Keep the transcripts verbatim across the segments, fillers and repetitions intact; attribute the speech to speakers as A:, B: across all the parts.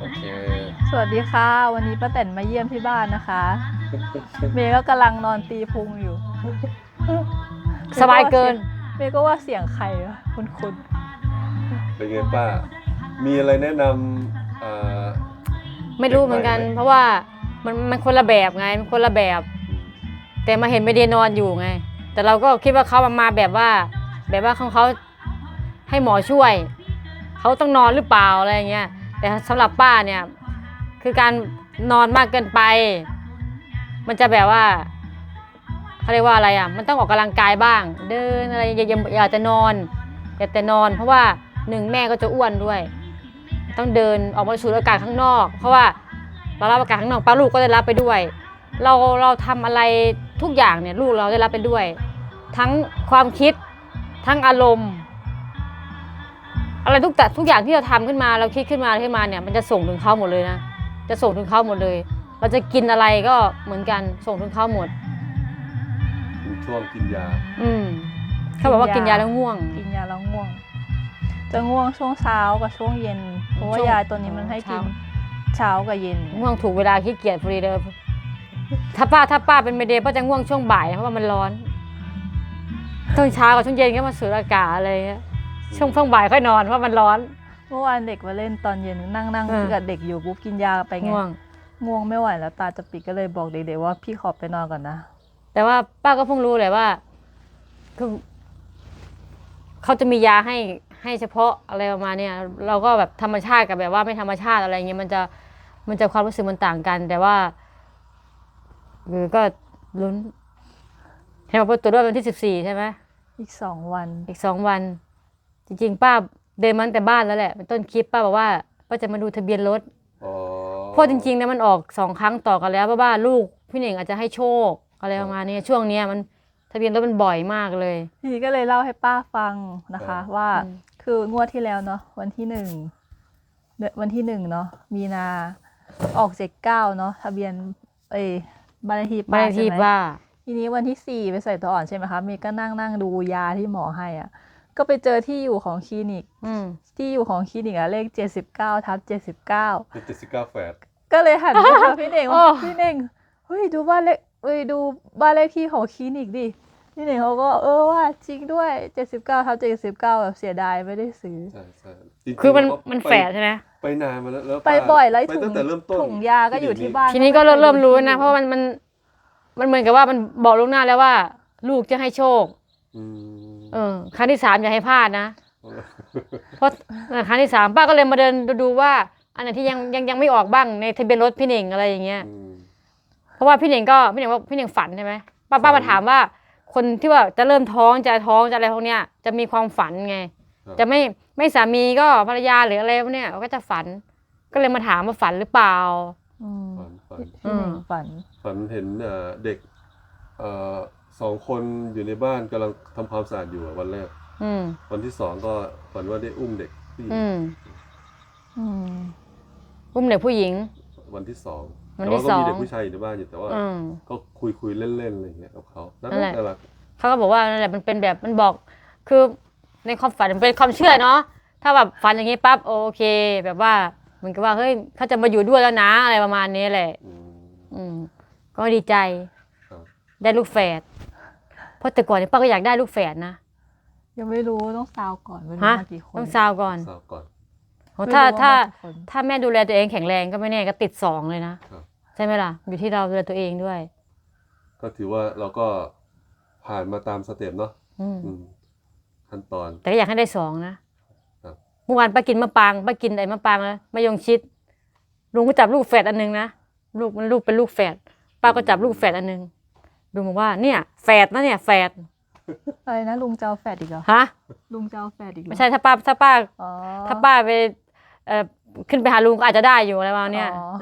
A: เค
B: สวัสดีค่ะ วันนี้ป้าแตนมาเยี่ยมที่บ้านนะคะ เมย์ก็กำลังนอนตีพุงอยู่
C: สบายเกิน
B: เมย์ก็ว่าเสียงใครวะคุณคุณ
A: เป็นไงป้า มีอะไรแนะนำเอ่อ
C: ไม่รู้เหมือนกัน
A: เด็กใหม่ไหม
C: เพราะว่ามันมันคนละแบบไงมันคนละแบบ แต่มาเห็นไม่ได้นอนอยู่ไง แต่เราก็คิดว่าเขามามาแบบว่า แบบว่าของเขาให้หมอช่วย เขาต้องนอนหรือเปล่าอะไรอย่างเงี้ยแต่สำหรับป้าเนี่ยคือการนอนมากเกินไป มันจะแบบว่าเขาเรียกว่าอะไรอ่ะมันต้องออกกำลังกายบ้าง เดินอะไรอย่าอย่าอย่าจะนอนอย่าแต่นอน เพราะว่าหนึ่งแม่ก็จะอ้วนด้วย ต้องเดินออกมาสูดอากาศข้างนอก เพราะว่าเรารับอากาศข้างนอกป้าลูกก็ได้รับไปด้วย เราเราทำอะไรทุกอย่างเนี่ยลูกเราได้รับไปด้วย ทั้งความคิดทั้งอารมณ์ อะไรทุกแต่ทุกอย่างที่เราทำขึ้นมาเราคิดขึ้นมาขึ้นมาเนี่ยมันจะส่งถึงเขาหมดเลยนะจะส่งถึงเขาหมดเลย เราจะกินอะไรก็เหมือนกันส่งถึงเขาหมด
A: เป็นช่วงกินยา
C: อืมเขาบอกว่ากินยาแล้วง่วง
B: กินยาแล้วง่วง จะง่วงช่วงเช้ากับช่วงเย็น เพราะว่า
C: ช่วง
B: ยาตัวนี้มันให้กินเช้ากับเย็น
C: ง่วงถูกเวลาขี้เกียจพอดีเลยถ้าป้าถ้าป้าเป็นเมเดย์ป้าจะง่วงช่วงบ่ายเพราะว่ามันร้อนช่วงเช้ากับช่วงเย็นก็มาสูดอากาศอะไรเงี้ยช่วงช่วงบ่ายค่อยนอนเพราะมันร้อน
B: เมื่อวานเด็กมาเล่นตอนเย็นนั่งนั่ง
C: เออ
B: กับเด็กอยู่ปุ๊บกินยาไปไง
C: ง่วง
B: ง่วงไม่ไหวแล้วตาจะปิดก็เลยบอกเด็กๆว่าพี่ขอไปนอนก่อนนะ
C: แต่ว่าป้าก็เพิ่งรู้เลยว่าคือเขาจะมียาให้ให้เฉพาะอะไรประมาณเนี้ยเราก็แบบธรรมชาติกับแบบว่าไม่ธรรมชาติอะไรเงี้ยมันจะมันจะความรู้สึกมันต่างกัน แต่ว่าเออก็ลุ้นเห็นบอกว่าตรวจด้วยวันที่สิบสี่ใช่ไหม
B: อีกสองวัน
C: อีกสองวัน จริงๆป้าเดินมาตั้งแต่บ้านแล้วแหละเป็นต้นคลิปป้าบอกว่าป้าจะมาดูทะเบียนรถ
A: อ๋อ
C: เพราะจริงๆเนี่ยมันออกสองครั้งต่อกันแล้วเพราะว่าลูกพี่เน่งอาจจะให้โชคอะไรประมาณนี้ช่วงเนี้ยมันทะเบียนรถมันบ่อยมากเลย
B: ทีนี้ก็เลยเล่าให้ป้าฟังนะคะ ว่า
C: อืม
B: คืองวดที่แล้วเนาะวันที่หนึ่งเดือนวันที่หนึ่งเนาะมีนาออกเจ็ดเก้าเนาะทะเบียนเอยบ้านเลขที่
C: บ้าน
B: ป้า
C: เลขที่
B: ใช่ไหม
C: ว่า
B: ทีนี้วันที่สี่ไปใส่ตัวอ่อนใช่ไหมคะเมย์ก็นั่งนั่งดูยาที่หมอให้อ่ะก็ไปเจอที่อยู่ของคลินิก
C: อืม
B: ที่อยู่ของคลินิกอะเลขเจ็ดสิบเก้าทับเจ็ดสิบเก้า
A: เป็นเจ็ดสิบเก้าแฝด
B: ก็เลยหันไปหาพี่เน่ง
C: โอ้
B: ว่าพี่เน่งเฮ้ยดูบ้านเลขเอ้ยดูบ้านเลขที่ของคลินิกดิพี่เน่งเขาก็เออว่าจริงด้วยเจ็ดสิบเก้าทับเจ็ดสิบเก้าแบบเสียดายไม่ได้ซื้อ
A: ใช่ใช่จริงๆ
C: คือมัน
A: เราก็
C: มัน
A: ไป
C: แฝดใช่ไหม
A: ไปนานมาแล้วแล้ว
B: ไป
A: ป้า
B: บ่อยแล้ว
A: ไป
B: ถุ
A: ตั้
B: ง
A: งแต่เริ่มต้น
B: ถุงยาก็อยู่ที่บ้าน
C: ทีนี้ก็เริ่มเริ่มรู้นะเพราะมันมันมันเหมือนกับว่ามันบอกล่วงหน้าแล้วว่า ลูกจะให้โชค
A: อืม
C: เออครั้งที่สามอย่าให้พลาดนะ เพราะเออครั้งที่สามป้าก็เลยมาเดินดูดูว่า อันไหนที่ยังยังยังไม่ออกบ้างในทะเบียนรถพี่เน่งอะไรอย่างเงี้ย
A: อืม
C: เพราะว่าพี่เน่งก็พี่เน่งว่าพี่เน่งฝันใช่ไหมป้า
A: ฝั
C: ป้าน มาถามว่า คนที่ว่าจะเริ่มท้องจะท้องจะอะไรพวกเนี้ยจะมีความฝันไง
A: ครับ
C: จะไม่ไม่สามีก็ภรรยาหรืออะไรพวกเนี้ยก็จะฝัน ก็เลยมาถามว่าฝันหรือเปล่า
B: อืม
A: ฝันฝัน
B: พี่เน่งฝัน
A: ฝันเห็นเอ่อเด็กเอ่อสองคนอยู่ในบ้านกำลังทำความสะอาดอยู่อะวันแรก
C: อืม
A: วันที่สองก็ฝันว่าได้อุ้มเด็กผู้หญิง
C: อืม
B: อืม
C: อุ้มเด็กผู้หญิง
A: วันที่สอง
C: วัน
A: แต่
C: ที่
A: ว่าก็
C: สอง
A: มีเด็กผู้ชายอยู่ในบ้านอยู่แต่ว่า
C: อืม
A: ก็คุยคุยๆเล่นๆอะไรอย่างเงี้ยกับเขาน่า
C: นั่นแหละ
A: รัก
C: เขาก็บอกว่านั่นแหละมันเป็นแบบมันบอกคือในความฝันมันเป็นความเชื่อเนาะถ้าแบบฝันอย่างนี้ปั๊บโอเค แบบว่าเหมือนกับว่าเฮ้ยเขาจะมาอยู่ด้วยแล้วนะอะไรประมาณนี้แหละ
A: อืม
C: อืมก็ดีใจ
A: ครับ
C: ได้ลูกแฝดเพราะแต่ก่อนเนี่ยป้าก็อยากได้ลูกแฝดนะ
B: ยังไม่รู้ต้องซาวก่อนไม่รู้
C: ฮะ
B: มากี่คน
C: ต้องซาวก่อน
A: ทราบก่อน
C: โหถ้า
B: ไม่รู้ว่
C: ถ้า
B: มากี่คน
C: ถ้าแม่ดูแลตัวเองแข็งแรงก็ไม่แน่ก็ติดสองเลยนะครับ ใช่ไหมล่ะอยู่ที่เราดูแลตัวเองด้วย
A: ก็ถือว่าเราก็ผ่านมาตามสเต็ปเนาะ
C: อืม
A: อืมขั้นตอน
C: แต่ก็อยากให้ได้สองนะครับ เมื่อวานป้ากินมะปรางป้ากินไอ้มะปรางแล้วมะยงชิดลุงก็จับลูกแฝดอันหนึงนะลูกมันลูกเป็นลูกแฝดป้าก็จับลูกแฝดอันหนึงลุงบอกว่าเนี่ยแฝดนะเนี่ยแฝด
B: อะไรนะลุงเจ้าแฟดอีกเหรอ
C: ฮะ
B: ลุงเจ้าแฟดอีกเหรอ
C: ไม่ใช่ถ้าป้าถ้าป้า
B: อ๋อ
C: ถ้าป้าไปเอ่อขึ้นไปหาลุงก็อาจจะได้อยู่อะไรประมาณเนี้ย
B: อ๋อ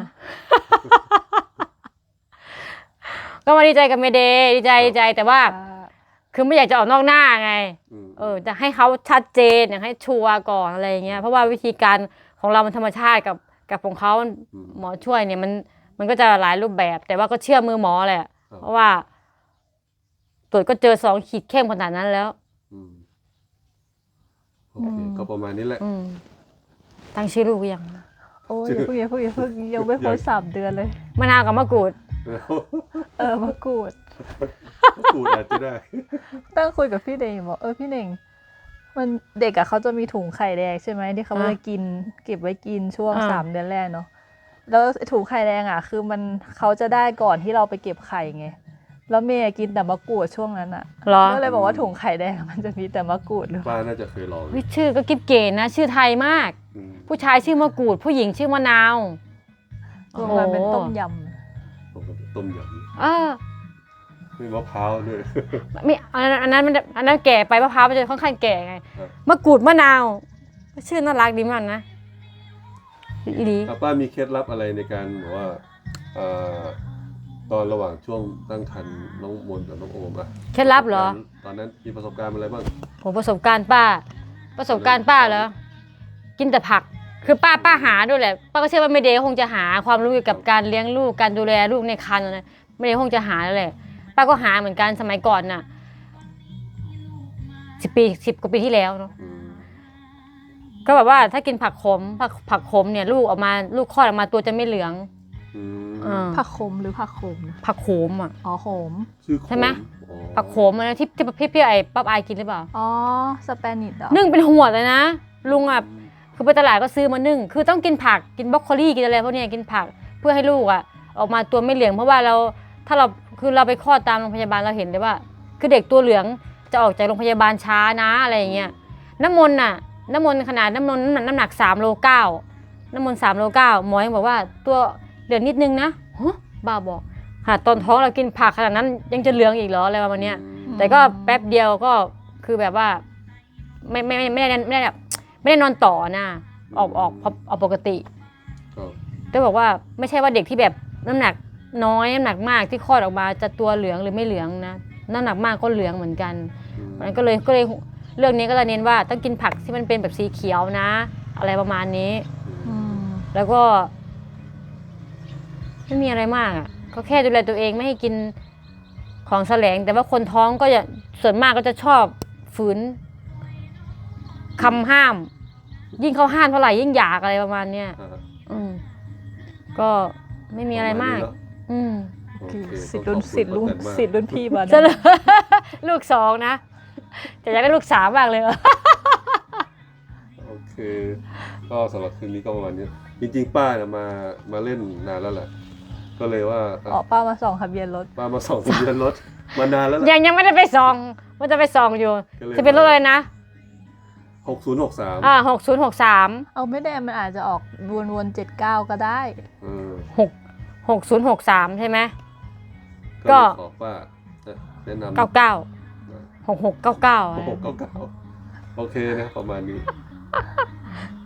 C: ก็มาดีใจกับเมเดย์ดีใจดีใจแต่ว่า
B: อ่า
C: คือไม่อยากจะออกนอกหน้าไง
A: อืม
C: เออจะให้เขาชัดเจนอยากให้ชัวร์ก่อนอะไรอย่างเงี้ยเพราะว่าวิธีการของเรามันธรรมชาติกับกับของเขาหมอช่วยเนี่ยมันมันก็จะหลายรูปแบบ แต่ว่าก็เชื่อมือหมอแหละเพราะว่าตรวจก็เจอสองขีดเข้มขนาดนั้นแล้ว
A: อืมโอเคก็ประมาณนี้แหละ
C: อืมตั้งชื่อลูกยัง
A: ท
B: โอ้ยอย่าเพิ่งอย่าเพิ่งอย่าเพิ่งยังไม่พ้นสามเดือนเลย
C: มะนาวกับมะกรูด
A: แล้ว
B: เออมะกรูด
A: กูอาจจะได้
B: ตั้งคุยกับพี่เน่งบอกเออพี่เน่งมันเด็กอะเขาจะมีถุงไข่แดงใช่ไหมที่เขา
C: อ่ะ
B: จะกินเก็บไว้กินช่วง
C: อ่า
B: สามเดือนแรกเนาะแล้วถุงไข่แดงอะคือมันเขาจะได้ก่อนที่เราไปเก็บไข่ไงแล้วเมย์กินแต่มะกรูดช่วงนั้นอะ
C: เหรอ
B: ก็เลยบอกว่าถุงไข่แดงมันจะมีแต่มะกรูดหรือเป
A: ป้า
B: ล่า
A: น่าจะเคยลอง
C: เฮ้ยชื่อก็กิ๊บเก๋นะ ชื่อไทยมาก
A: อืม
C: ผู้ชายชื่อมะกรูด ผู้หญิงชื่อมะนาว
B: รวมกันเป็นต้มย
A: ผมก็ต้มย
C: เออ
A: ำมีมะพร้าวด้วย
C: ไม่อันนั้นอันนั้นมันอันนั้นแก่ไปมะพร้าวมันจะค่อนข้างแก่ไง
A: ครับ
C: มะกรูดมะนาว ชื่อน่ารักดีมากนะอีดี
A: อ่ะป้ามีเคล็ดลับอะไรในการแบบว่าเอ่อตอนระหว่างช่วงตั้งครรภ์น้องมนต์กับน้องโอมอะ
C: เคล็ดลับเหรอ
A: ตอนนั้นมีประสบการณ์อะไรบ้าง
C: ผมประสบการณ์ป้า ประสบการณ์ป้าเหรอกินแต่ผัก คือป้าป้าหาด้วยแหละ ป้าก็เชื่อว่าไม่เดย์คงจะหาความรู้เกี่ยวกับการเลี้ยงลูกการดูแลลูกในครรภ์นะไม่เดย์คงจะหาแล้วแหละป้าก็หาเหมือนกันสมัยก่อนน่ะสิบปีสิบกว่าปีที่แล้วเนาะ
A: อืม
C: ก็แบบว่าถ้ากินผักขมผักผักขมเนี่ยลูกออกมาลูกคลอดออกมาตัวจะไม่เหลือง
A: อืม
C: อ่า
B: ำผักขมหรือผักโขมนะ
C: ผักโขมอ่ะ
B: อ๋อโขม
A: ชื่อโข
C: ใช่ไหม
A: อ๋อ
C: ผักโขมอะนะที่ที่พี่พี่ไอ้ป๊อบอายกินหรือเปล่า
B: อ๋อสเปนิชเหรอ
C: นึ่งเป็นหัวเลยนะลุงอ่ะคือไปตลาดก็ซื้อมานึ่งคือต้องกินผักกินบรอกโคลีกินอะไรพวกเนี้ยกินผักเพื่อให้ลูกอ่ะออกมาตัวไม่เหลืองเพราะว่าเราถ้าเราคือเราไปคลอดตามโรงพยาบาลเราเห็นเลยว่า คือเด็กตัวเหลืองจะออกจากโรงพยาบาลช้านะอะไรอย่างเงี้ยน้ำมนต์น่ะน้ำมนต์ขนาดน้ำมนต์น้ำหนักน้ำหนักสามโลเก้าน้ำมนต์สามโลเก้าหมอยังบอกว่าตัวเหลืองนิดนึงนะฮะบ้าบอกขนาดตอนท้องเรากินผักขนาดนั้นยังจะเหลืองอีกเหรออะไรประมาณเนี้ย แต่ก็แป๊บเดียวก็คือแบบว่าไม่ไม่ไม่ไม่ได้ไม่ได้แบบไม่ได้นอนต่อนะออกออกออกปกติ
A: ครับ
C: แต่บอกว่าไม่ใช่ว่าเด็กที่แบบน้ำหนักน้อยน้ำหนักมากที่คลอดออกมาจะตัวเหลืองหรือไม่เหลืองนะน้ำหนักมากก็เหลืองเหมือนกัน
A: อืม
C: มันก็เลยก็เลยเรื่องนี้ก็เลยเน้นว่าต้องกินผักที่มันเป็นแบบสีเขียวนะ อะไรประมาณนี้
B: อืม
C: แล้วก็ไม่มีอะไรมากอ่ะก็แค่ดูแลตัวเองไม่ให้กินของแสลง แต่ว่าคนท้องก็จะส่วนมากก็จะชอบฝืนคำห้าม ยิ่งเขาห้ามเท่าไหร่ยิ่งอยากอะไรประมาณเนี้ย
A: อ่า
C: อืมก็ไม่มีอะไรมาก
A: ประณนี้เน
C: อืม
A: โอเค
B: สิทธิ์รุ่น
A: ต้องขอบคุณ
B: สิทธิ์รุ่น
A: ป้าแตนมาก
B: สิทธิ์รุ่นพี่มา
C: จะ ลูกสองนะแต่อยากได้ลูกสามมากเลย
A: โอเค ก็สำหรับคืนนี้ก็ประมาณนี้ จริงๆ ป้าเนี่ยมามาเล่นนานแล้วแหละ ก็เลยว่าอ่ะ
B: ออกป้ามาส่องทะเบียนรถ
A: ป้ามาส่องทะเบียนรถมานานแล้วแหละ
C: ยังยังไม่ได้ไปส่องว่าจะไปส่องอยู่
A: ก็เลย
C: จะเป็นรถอะไรนะ
A: หกศูนย์หกสาม
C: อ่าหกศูนย์หกสาม
B: เอาไม่ได้มันอาจจะออกวนวนเจ็ดเก้าก็ได้
A: เออ
C: หกหกศูนย์หกสามใช่ไหม
A: ก็
C: ก็
A: เลยขอป้าแนะนำ
C: เก้าเก้าหกหกเก้าเก้า
A: หกเก้าเก้าโอเคนะประมาณนี้